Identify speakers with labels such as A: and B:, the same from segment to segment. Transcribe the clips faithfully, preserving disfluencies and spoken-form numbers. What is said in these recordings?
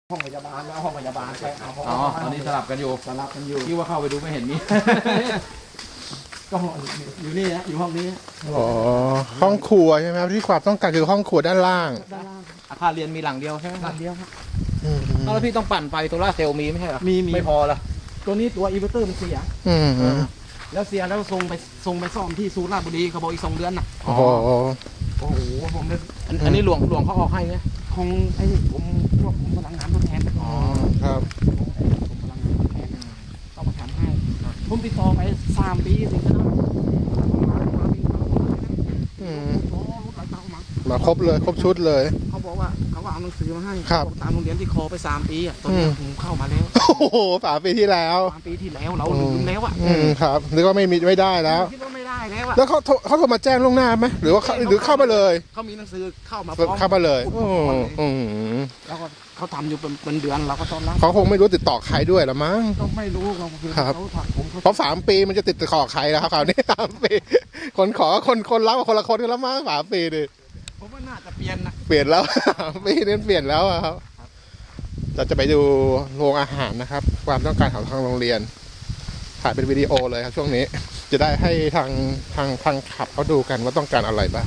A: ห้องพยาบาลแล้วห้องพยาบาลไปเอาห้อง
B: อ๋อตอนนี้สลับกันอยู่
A: สลับกันอยู่
B: ที่ว่าเข้าไปดูไม่เห็นมี
A: ก็ห้องอยู่นี่นะอยู่ห้องนี้
C: อ๋อห้องครัวใช่ไหมครับที่ความต้องการคือห้องครัวด้านล่าง
A: ด้านล่าง
B: อาคารเรียนมีหลังเดียวใช่ไหม
A: ด้านเดียวครับ
C: อืม
B: แล้วพี่ต้องปั่นไฟโซล่าร์เซลล์มีไม่ใช่เหรอ
A: มีมี
B: ไม่พอละ
A: ตัวนี้ตัวอินเวอร์เตอร์มันเสีย
C: อืม
A: แล้วเสียแล้วส่งไปส่งไปซ่อมที่สุราษฎร์บุรีเขาบอกอีกสองเดือนน่ะ
C: โอ้โห
A: โอ้โหผมเลย
B: อันอันนี้หลวงหลวงเขาออกให้ไหม
A: ของไอ้ผมพวกผมพลังงานทดแทน
C: อ๋อครับ
A: ผมพลังงานทดแทนเขามาทำให้ผมติดต่อไปสามปีถึงจะได้มามามีมา
C: อืม
A: โอ้รถไหลเต่ามา
C: มาครบเลยครบชุดเลย
A: เขาบอกว่าเขาว่าเอาหนังสือมาให้
C: ครับ
A: บอกตามโรงเรียนที่คอไปสามปีอ่ะตอนนี้
C: อืม
A: ผมเข้ามาแล้ว
C: โอ้โหสามปีที่แล้ว
A: สามปีที่แล้วเราลืมแล้วอ่ะ
C: อืมครับนึกว่าไม่มีไม่ได้แล้ว
A: คิดว่าไม่ได้แล้วอ่ะ
C: แล้วเขาโทรเขาโทรมาแจ้งล่วงหน้าไหมหรือว่าเขาหรือเข้ามาเลย
A: เขามีหนังสือเข้ามาพร้อม
C: เข้ามาเลย
A: ปุ๊บ
C: อื
A: ปุ๊บ
C: ม
A: ปุ๊บ
C: อืม
A: แล้วก็เขาทำอยู่เป็นเป็นเดือนเราก็ต้อนรับ
C: เขาคงไม่รู้ติดต่อใครด้วยละมั้ง
A: ก็ไม่รู้เราคือ
C: ครับ
A: เขาถักผมเขา
C: เพราะสามปีมันจะติดต่อใครแล้วครับคราวนี้สามปีคนขอคนคนรับกับคนละคนกันแล้วมั้งสามปีดิ
A: ผมว่าน่าจะเปลี่ยนนะ
C: เปลี่ยนแล้ว ปีนี้เปลี่ยนแล้วอะครับ เราจะไปดูโรงอาหารนะครับ ความต้องการของทางโรงเรียนถ่ายเป็นวิดีโอเลยครับช่วงนี้ จะได้ให้ทางทางทางขับเขาดูกันว่าต้องการอะไรบ้าง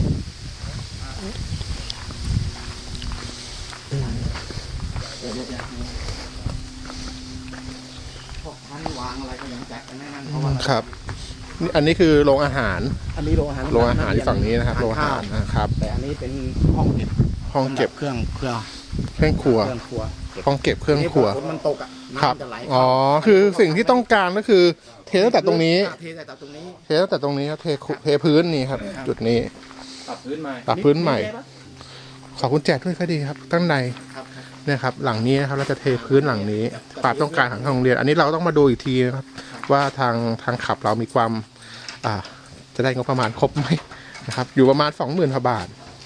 A: พวกพันวางอะไรก็ยังจัดกันแน่นเพราะว่า
C: ครับนี่อันนี้คือโรงอาหาร
A: อันนี้โรงอาหาร
C: โรงอาหารที่ฝั่งนี้นะครับโรงอาหารนะครับ
A: แต่อันนี้เป็นห้องเก็บ
C: ห้องเก็บ
A: เครื่องเครื่อง
C: เครื่องครัว
A: เครื่องครัว
C: ห้องเก็บเครื่องครัว
A: ฝนมันตกอ่ะ
C: ครับ
A: น้ำจะไหล
C: อ๋อคือสิ่งที่ต้องการก็คือ เทตั้งแต่ตรงนี้
A: เทตั้งแต่ตรงนี้
C: เทตั้งแต่ตรงนี้ครับเทคุเทพื้นนี่ครับ จุดนี้
B: ปรับพื้นใหม่
C: ปรับพื้นใหม่
A: เทปะ
C: ขอคุณแจกด้วยก็ดีครับตั้งใน
A: ครับครับ
C: เนี่ยครับหลังนี้นะครับเราจะเทพื้นหลังนี้ความต้องการของทางโรงเรียน อันนี้เราต้องมาดูอีกทีนะครับ ว่าทางทางขับเรามีความอ่าจะได้งบประมาณครบไหมนะครับ อยู่ประมาณสองหมื่นกว่าบาท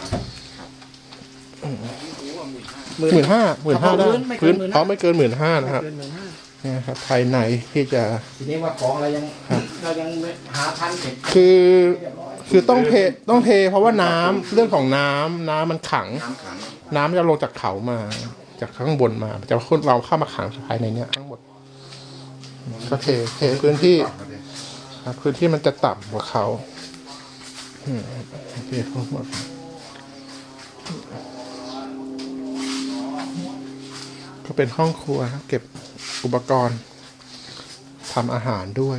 C: หมื่นห้าหมื่นห้าได้พื้นพร้อมไม่เกินหมื่นห้านะครับ
A: เกินหมื่นห้า
C: เนี่ยครับภายในที่จะ
A: ทีนี้ว่าของเรายังเรายังหาทันเก็บ
C: คือ
A: เรียบร้อย
C: คือต้องเทต้องเทเพราะว่าน้ำเรื่องของน้ำน้ำมันขัง
A: น้ำขัง
C: น้ำจะลงจากเขามา จากข้างบนมาจะขึ้นเราเข้ามาขังภายในเนี้ยทั้งหมดก็เทเทพื้นที่ครับพื้นที่มันจะต่ำกว่าเขาอืมเททั้งหมดก็เป็นห้องครัวครับเก็บอุปกรณ์ทำอาหารด้วย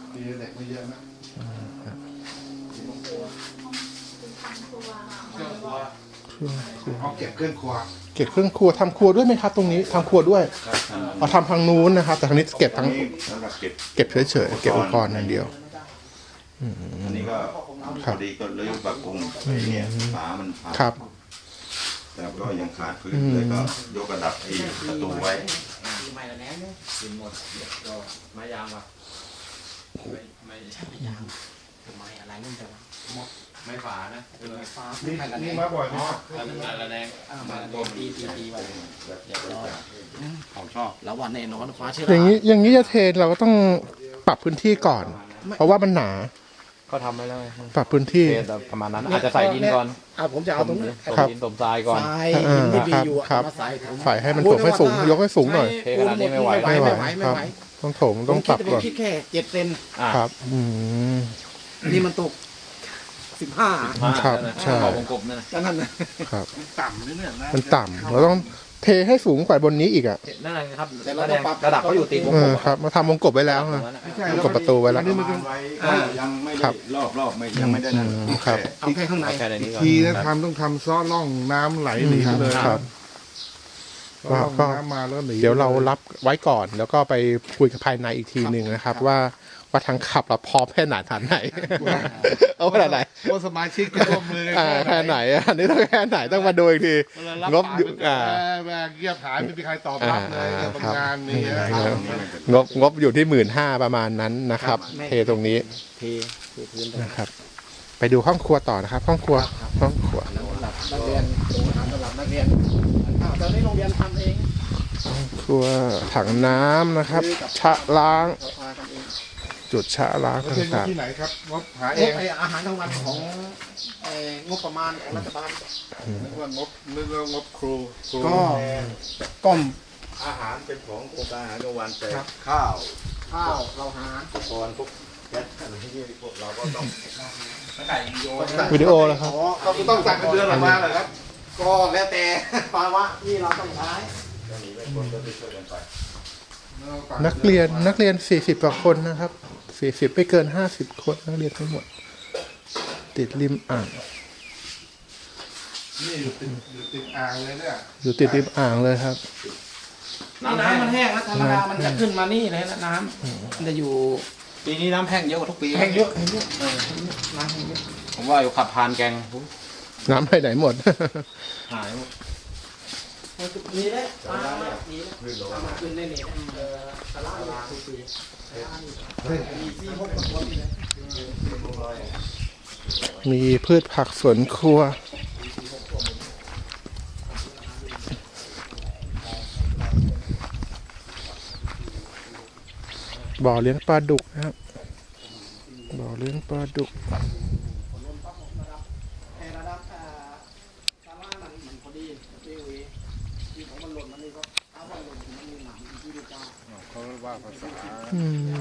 D: ห้องเก็บเครื่องครัว
C: เก็บเครื่องครัวทำครัวด้วยไหมครับ ตรงนี้ทำครัวด้วยเอาทำทางนู้นนะครับ แต่ทางนี้เก็บทั้ง
D: นี่สำหรับเก็บ
C: เก็บเฉยๆเก็บอุปกรณ์อย่างเดียว
D: อันนี้ก็
C: ครั
D: พ
C: บ
D: อดีก็เลยปรับปรุงไอ้เนี่ยฝามันพัง
C: ครับ
D: แต่ก็ยังขาดพื้นเลยก็ยกระดับไอ้ประตูไว้
A: ไม่ละแน่เนี่ย
B: กินหมดเดี๋ยวก็ไม้ยางว่ะไม่ไม่
A: ไม่ยางทำไมอะไรนั่นจะหมด
B: ไม่ฝานะเออ
A: ฟ้า
D: นี่
A: ไม่ละแน่
D: นี่มาบ่อยไหมครับ
B: อันนั้นอันละแดง
A: อ่ามาละแน่ตีตีตีไว้เรียบร้อย
B: ของชอบ
A: แล้ววันแน่นอนฟ้าเชื่อ
C: อย่างนี้อย่างนี้จะเทเราก็ต้องปรับพื้นที่ก่อน เพราะว่ามันหนา
B: ก็ทำไว้แล้วไง
C: ปรับพื้นที่
B: เทแต่ประมาณนั้นอาจจะใส่ดินก่อน
A: อ่าผมจะเอาตรงนี้
B: สม
C: ครับ
B: ดินสมทรายก่อน
A: ทรายหินที่มีอยู่อะ
C: ครับ
A: มาใส่ถุง
C: ใส่ให้มันถมให้สูงยกให้สูงหน่อย
B: เทขนาดนี้ไม่ไหว
A: ไม่ไหว
C: ไม่
A: ไม่
C: ไหว
A: ไหวไม่ไหว
C: ต้องถมต้องปรับ
A: ผม
C: ก่อน
A: คิดแค่เจ็ดเซน
B: อ่ะ
C: ครับ อืม
A: นี่มันตกสิบห้า
B: มา
C: ครับ
B: นั่นนะ
C: ใช่
B: ขอบวงกลมนั่นนะ
A: ดังนั้นนะครับ
D: ต่ำนิดเนี่ยนะ
C: มันต่ำเราต้องเทให้สูงกว่าบนนี้อีกอ่ะ
B: นั่นแหละครับระดับระดับเขาอยู่ตีวง
C: เอก
B: ล
C: อ
B: ม
C: ครับมาทำวงกบไว้แล้วนะ
D: ไม่ใช่
C: กดประตูไว้แล้ว
D: อันนี้มันไว้ว่ายังไม่
C: ครั
D: ได้
C: บ
D: รอบรอบไม่ยังไม่ได้นั่น
C: อืมครับ
A: เอาแค่ข้างใน
B: แค่ในนี้ก่อน
E: ทีนะทำต้องทำซ้อล่องน้ำไหลหนีไปเลย
C: ครับ
E: ซ้อล่อง
C: ก็
E: น้ำมาแล้วหนี
C: เดี๋ยวเรารับไว้ก่อน แล้วก็ไปคุยกับภายในอีกทีหนึ่งนะครับ ว่าว่าทางขับเราพร้อมแค่ไหนฐานไหน เอาขนาดไหน
E: ว่าสมาชิกจะร่วมมือกัน
C: อ่าแค่ไหนอ่ะอันนี้ต้องแค่ไหนต้องมาดูอีกที งบอยู่อ่า
E: แม่เงียบหายไม่มีใครตอบรับเลย
C: อ่า
E: กับงานนี้
C: ครับ งบงบอยู่ที่หมื่นห้าประมาณนั้นนะครับ เทตรงนี้
A: เทเทพื้นไป
C: นะครับ ไปดูห้องครัวต่อนะครับ ห้องครัวห้องครัว
A: สำหรับนักเรียนโรงอาหารสำหรับนักเรียนอ้าวตอนนี้โรงเรียนทำเอง
C: ห้องครัวถังน้ำนะครับ ชะล้าง
A: เราพากันเอง
C: จุดชะล้าง
E: แล้วเป็น
C: ต่าง
E: ที่ไหนครับงบหา
A: เอ
E: เอง
A: ไออาหารกลางวันของเอ่องบประมาณของรัฐบาล
E: นึกว่างบนึกว่างบครูครู
A: ก็ก็
D: อาหารเป็นของโครงการอาหารกลางวันแต่
A: ครับ
D: ข้าว
A: ข้าวเราหา
D: อุปกรณ์พวกแก๊สอะไรที่นี่พวกเราก็ต้อง
B: ไม่ไก่โยน
C: วิดีโอแล้วครับ
A: อ๋อก็ต้องสั่งเป็นเดือนออกมาเหรอครับ ก็แล้วแต่ภาวะที่เราต้องใช้
D: จะมีไม่คนก็ไปช่วยกันไป
C: นักเรียนนักเรียนสี่สิบกว่าคนนะครับสี่สิบไม่เกินห้าสิบคนนักเรียนทั้งหมด ติดริมอ่าง
E: นี่อยู่ติดอยู่ติดอ่างเลยเนี่ย
C: อยู่ติดริมอ่างเลยครับ
A: นี่น้ำมันแห้งแล้วธรรมดามันจะขึ้นมานี่เลยนะน้ำมันจะอยู่
B: ปีนี้น้ำแห้งเยอะกว่าทุกปี
A: แห้งเยอะแห้งเยอะเออน้ำแห้งเยอะ
B: ผมว่าอยู่ขับพานแกงอุ๊ย
C: น้ำไปไหนหมด
B: หายหมด
A: มีเลยปลามีเลย
D: ขึ้นลง
A: เอามาขึ้นได้นี่เออตลาดตลาดคุยมีสี่หกคนนี่เลย
C: มีพืชผักสวนครัว บ่อเลี้ยงปลาดุกนะครับ บ่อเลี้ยงปลาดุก
A: แต่ระดับอ่าตลาดมันมันพอดีที่วีที่ของมันหล่นมันนี่ก็เอาไว้หล่นมันมีหนังที่ดีกว่า
E: เขาว่าภาษา
C: อืม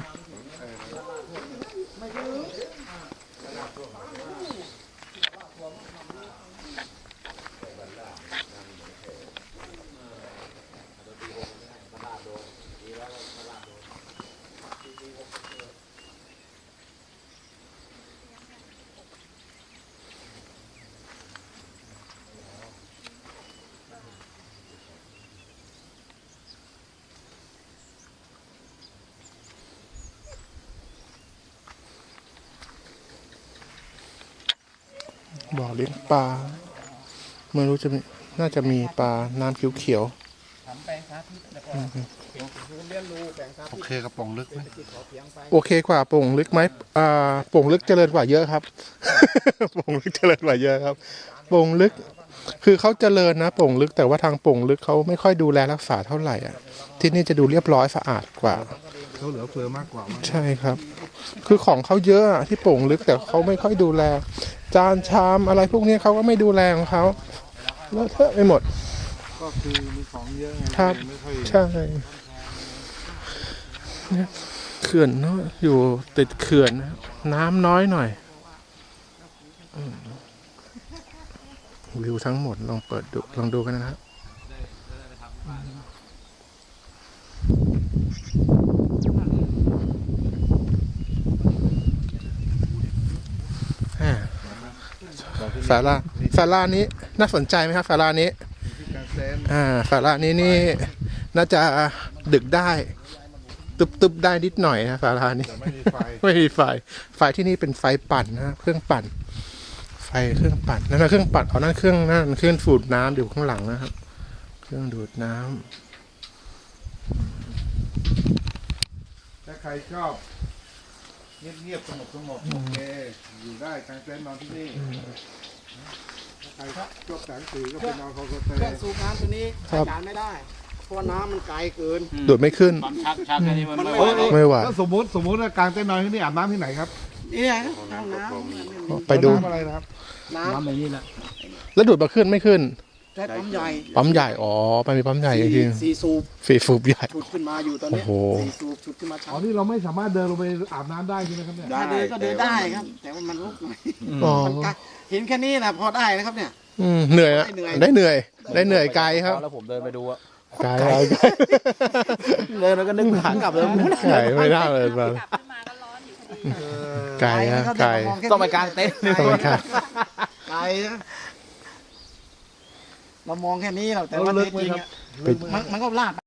C: บ่อเลี้ยงปลาไม่รู้จะมีน่าจะมีปลาน้ำเขียว
A: ทำแปลงสาธิตแล้วก็เรียนรู้แปลงสา
E: โอ
A: ธิต
E: เคกระป๋องลึกไหม
A: ที่ขอเพียงไป
C: ๆ โอเคกว่าโป่งลึกไหมอ่าโป่งลึกเจริญกว่าเยอะครับ โป่งลึกเจริญกว่าเยอะครับโป่งลึก คือเขาเจริญนะโป่งลึกแต่ว่าทางโป่งลึกเขาไม่ค่อยดูแลรักษาเท่าไหร่อ่ะ ที่นี่จะดูเรียบร้อยสะอาดกว่า
E: เขาเหลือเฟือมากกว่ามั้ง
C: ใช่ครับ คือของเขาเยอะอะที่โป่งลึกแต่เขาไม่ค่อยดูแล จานชามอะไรพวกนี้เขาก็ไม่ดูแลของเขาเลอะเทอะไปหมด
E: ก็คือมีของเยอะไง
C: ครับ
E: ไม่ค่อย
C: ใช่เนี่ยเขื่อนเนาะอยู่ติดเขื่อนนะครับน้ำน้อยหน่อยอืมวิวทั้งหมดลองเปิดดูลองดูกันนะครับอ่าศาลาศาลานี้น่าสนใจไหมครับศาลานี้
E: ที่การเซน
C: อ่าศาลานี้นี่น่าจะดึกได้ ตึบตึบได้นิดหน่อยนะศาลานี้
E: แต่ไม่มีไฟ
C: ไม่มีไฟ ไฟที่นี่เป็นไฟปั่นนะเครื่องปั่น ไฟเครื่องปั่นนั่นนะเครื่องปั่นเอานั่นเครื่องนั่นเครื่องสูบน้ำอยู่ข้างหลังนะครับ เครื่องดูดน้ำ
E: ถ้าใครชอบเงียบๆสงบสงบโอเคอยู่ได้กางเต็นท์นอนที่นี่ถ้าใครชอบแสงสีก็ไปนอนโฮมสเต
A: เครื่อง
E: ย์
A: สูบน้ำตัวนี้
C: ครั
A: ใช้
C: บ
A: การไม่ได้ เพราะว่าน้ำมันไกลเกิน
C: ดูดไม่ขึ้น
B: ปั๊มชักชักแค่นี้มัน
A: มัน
B: ไม่
A: ไม่
B: ไหว
A: ไหว
C: ไม่ไหว
E: แล้วสมมติสมมติว่ากางเต็นท์นอนที่นี่อาบน้ำที่ไหนครับ
A: เนี่ยห้องน้ำ
C: ไปดู
E: น้ำอะไรนะครับ
A: น้
B: น้ำแบบนี้แหละ
C: แล้วดูดมาขึ้นไม่ขึ้น
A: ำใช้ปั๊มใหญ่
C: ปั๊มใหญ่ อ๋อมันมีปั๊มใหญ่จริง
A: สี่สูบ
C: ๆฟีฟูบใหญ่
A: ฉุดขึ้นมาอยู่ตอนนี้
C: โอ้โห
A: สี่สูบฉุดขึ้นมา
E: อ๋อ
A: ชั้น
E: นี่เราไม่สามารถเดินลงไปอาบน้ำได้ใช่ไหมครับเนี่ย
A: ได้เดินก็เดินได้ครับ แต่ว่ามันลุกหน่อย
C: อ๋อ
A: มันไกลเห็นแค่นี้นะพอได้นะครับเนี่ย
C: อืมเหนื่อยอะ
A: ได้เหนื่อย
C: ได้เหนื่อย ได้เหนื่อยไกลครับ
B: แล้วผมเดินไปดูอะ
C: ไกลไกล
B: เดินแล้วก็นึกหางกลับเลย
C: ไกลไม่ได้เลยมา
F: กลับขึ้นมาก็ร้อนอยู่พอดี
C: ไกลฮะ
A: นะครับ
C: ไกล
A: เดี๋ยวมแค่
B: ต้องไปกางเต็นท์
C: ต้องไปครับ
A: ไกลนะเรามองแค่นี้เราแต่ว่า
E: ลึ
A: จ
E: กไหม
A: ริง
E: ค
A: ๆ
E: รับ
A: อะมันมันก็ลาดไป